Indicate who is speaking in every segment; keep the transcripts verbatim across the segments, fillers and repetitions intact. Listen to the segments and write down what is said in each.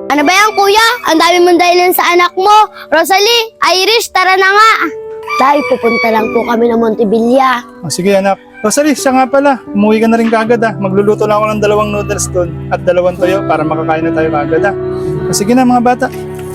Speaker 1: Ano ba yan, kuya? Ang dami mong dahilan sa anak mo. Rosalie, Irish, tara na nga.
Speaker 2: Tay, pupunta lang po kami ng Montevilla.
Speaker 3: O sige anak. Rosalie, siya nga pala. Umuwi ka na rin kagad ah. Magluluto lang ako ng dalawang noodles doon at dalawang toyo para makakain na tayo kagad ah. O sige na mga bata.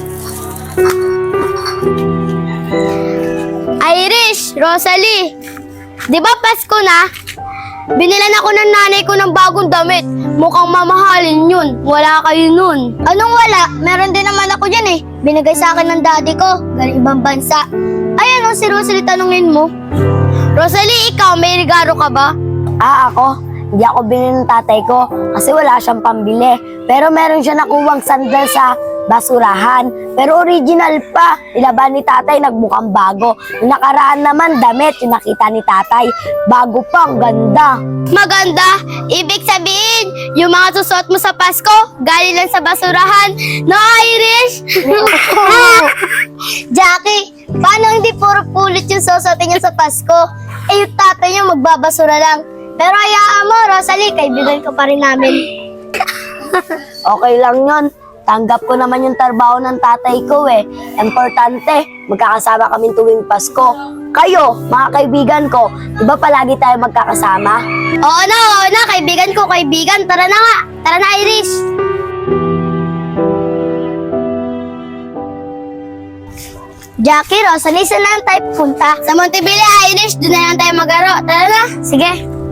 Speaker 1: Irish, Rosalie, di ba Pasko na? Binilan ako ng nanay ko ng bagong damit. Mukhang mamahalin yun. Wala kayo nun. Anong wala? Meron din naman ako yan eh. Binigay sa akin ng daddy ko. Galing ibang bansa. Ay, ano si Rosalie tanungin mo? Rosalie, ikaw may regalo ka ba?
Speaker 2: Ah, ako? Hindi ako binili ng tatay ko kasi wala siyang pambili. Pero meron siya nakuwang sandal sa basurahan. Pero original pa. Ilaban ni tatay, nagmukhang bago. Yung nakaraan naman, damit. Yung nakita ni tatay, bago pa, ang ganda.
Speaker 1: Maganda. Ibig sabihin, yung mga susuot mo sa Pasko, galing lang sa basurahan. No, Irish? Jackie, paano hindi puro pulit yung susuotin niya sa Pasko? Eh, yung tatay niya magbabasura lang. Pero hayaan mo, Rosalie, kaibigan ko pa rin namin.
Speaker 2: Okay lang yon. Tanggap ko naman yung trabaho ng tatay ko eh. Importante, magkakasama kami tuwing Pasko. Kayo, mga kaibigan ko, di ba palagi tayo magkakasama?
Speaker 1: Oo na, oo na, kaibigan ko, kaibigan. Tara na nga. Tara na, Irish. Jackie, Rosalie, saan na lang tayo pupunta? Sa Montevilla, Irish, doon na lang tayo magaro. Tara na. Sige.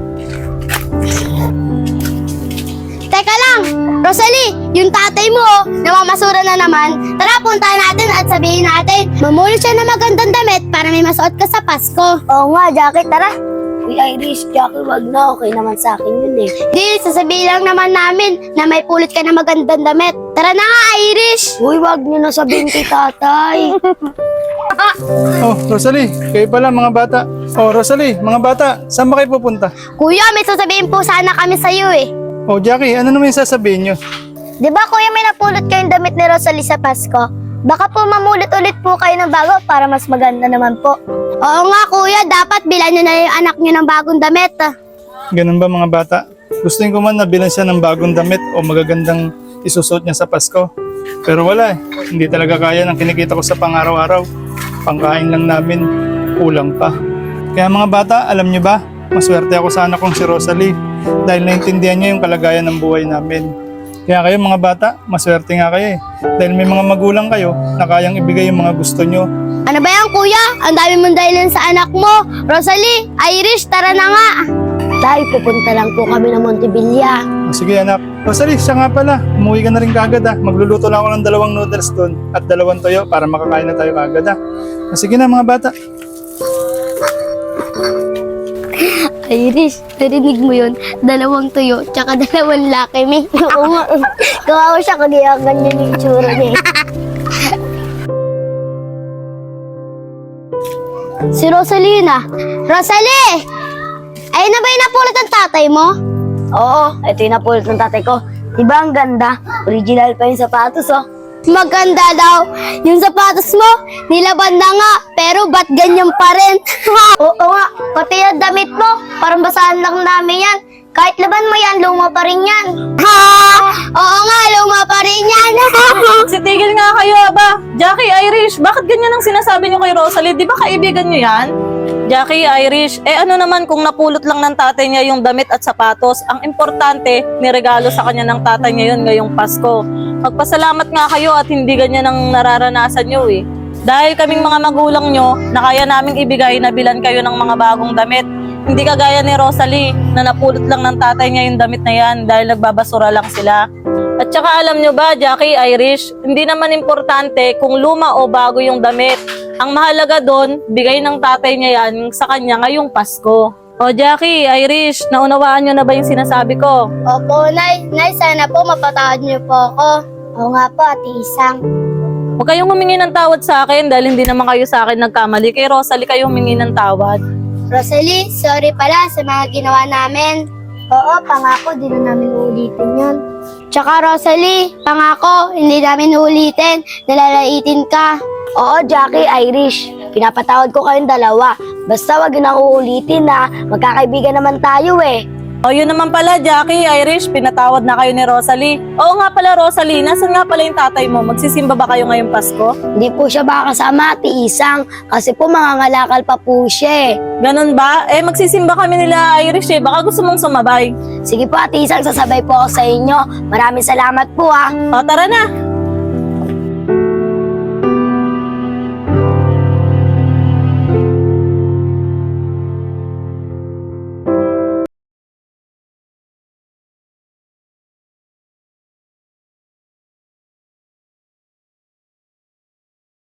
Speaker 1: Teka lang, Rosalie, yung tatay mo, oh, namamasura na naman. Tara, puntahan natin at sabihin natin, mamulot siya ng magandang damit para may masuot ka sa Pasko.
Speaker 2: Oo nga, Jackie, tara. Uy, Irish, Jackie, wag na. Okay naman sa akin yun eh.
Speaker 1: Di, sasabihin lang naman namin na may pulot ka ng magandang damit. Tara na nga, Irish!
Speaker 2: Uy, wag niyo na sabihin kay tatay.
Speaker 3: Oh, Rosalie, kayo pala mga bata. Oh, Rosalie, mga bata, saan ba kayo pupunta?
Speaker 1: Kuya, may sasabihin po sana kami sa'yo eh.
Speaker 3: Oh, Jackie, ano naman yung sasabihin nyo?
Speaker 1: Di ba kuya may napulot kayong damit ni Rosalie sa Pasko? Baka po mamulit ulit po kayo ng bago para mas maganda naman po. Oo nga kuya, dapat bilan nyo na yung anak nyo ng bagong damit.
Speaker 3: Ganun ba mga bata? Gusto ko man nabilan siya ng bagong damit o magagandang isusuot niya sa Pasko. Pero wala eh, hindi talaga kaya ng kinikita ko sa pang-araw-araw. Pangkain lang namin, kulang pa. Kaya mga bata, alam nyo ba? Maswerte ako sa anak kong si Rosalie dahil naintindihan niya yung kalagayan ng buhay namin. Kaya kayo mga bata, maswerte nga kayo eh. Dahil may mga magulang kayo na kayang ibigay yung mga gusto nyo.
Speaker 1: Ano ba yan kuya? Ang dami mong dahilan sa anak mo. Rosalie, Irish, tara na nga.
Speaker 2: Tay, pupunta lang po kami ng Montevilla.
Speaker 3: O, sige anak. Rosalie, siya nga pala. Umuwi ka na rin kagad ah. Magluluto lang ako ng dalawang noodles doon at dalawang toyo para makakain na tayo kagad ah. O, sige na mga bata.
Speaker 1: Irish, narinig mo yun? Dalawang tuyo, tsaka dalawang laki, me.
Speaker 2: Oo nga. Kawawa siya kaya ganyan yung itsura niya.
Speaker 1: Si Rosalie na. Rosalie! Ayun na ba yung napulot ng tatay mo?
Speaker 2: Oo, ito yung napulot ng tatay ko. Diba ang ganda? Original pa yung sapatos oh.
Speaker 1: Maganda daw. Yung sapatos mo, nilaban na nga, pero ba't ganyan pa rin? Oo nga, pati yung damit mo, parang basahan lang namin yan. Kahit laban mo yan, luma pa rin yan. Ha! Oo nga, luma pa rin yan.
Speaker 4: Sitigil nga kayo, aba. Jackie, Irish, bakit ganyan ang sinasabi niyo kay Rosalie? Di ba kaibigan niyo yan? Jackie, Irish, eh ano naman kung napulot lang ng tatay niya yung damit at sapatos, ang importante, niregalo sa kanya ng tatay niya yun ngayong Pasko. Magpasalamat nga kayo at hindi ganyan ang nararanasan niyo eh. Dahil kaming mga magulang niyo, na kaya naming ibigay na bilan kayo ng mga bagong damit. Hindi kagaya ni Rosalie na napulot lang ng tatay niya yung damit na yan dahil nagbabasura lang sila. At saka alam nyo ba, Jackie, Irish, hindi naman importante kung luma o bago yung damit. Ang mahalaga doon, bigay ng tatay niya yan sa kanya ngayong Pasko. O Jackie, Irish, naunawaan nyo na ba yung sinasabi ko?
Speaker 1: Opo, Nay. Nay, sana po mapatawad niyo po ako. Oo nga po, Ate Isang.
Speaker 4: Huwag kayong humingi ng tawad sa akin dahil hindi naman kayo sa akin nagkamali. Kay Rosalie kayo humingi ng tawad.
Speaker 1: Rosalie, sorry pala sa mga ginawa namin. Oo, pangako, di na namin uulitin yun. Tsaka Rosalie, pangako, hindi namin uulitin. Nalalaitin ka.
Speaker 2: Oo, Jackie, Irish. Pinapatawad ko kayong dalawa. Basta wag na uulitin na magkakaibigan naman tayo eh.
Speaker 4: O yun naman pala, Jackie, Irish, pinatawad na kayo ni Rosalie. Oo nga pala, Rosalie, nasan nga pala yung tatay mo? Magsisimba ba kayo ngayong Pasko?
Speaker 2: Hindi po siya makakasama, Ate Isang, kasi po mangangalakal pa po siya eh.
Speaker 4: Ganun ba? Eh, magsisimba kami nila, Irish eh. Baka gusto mong sumabay.
Speaker 2: Sige po, Ate Isang, sasabay po ako sa inyo. Maraming salamat po ah.
Speaker 4: O, tara na.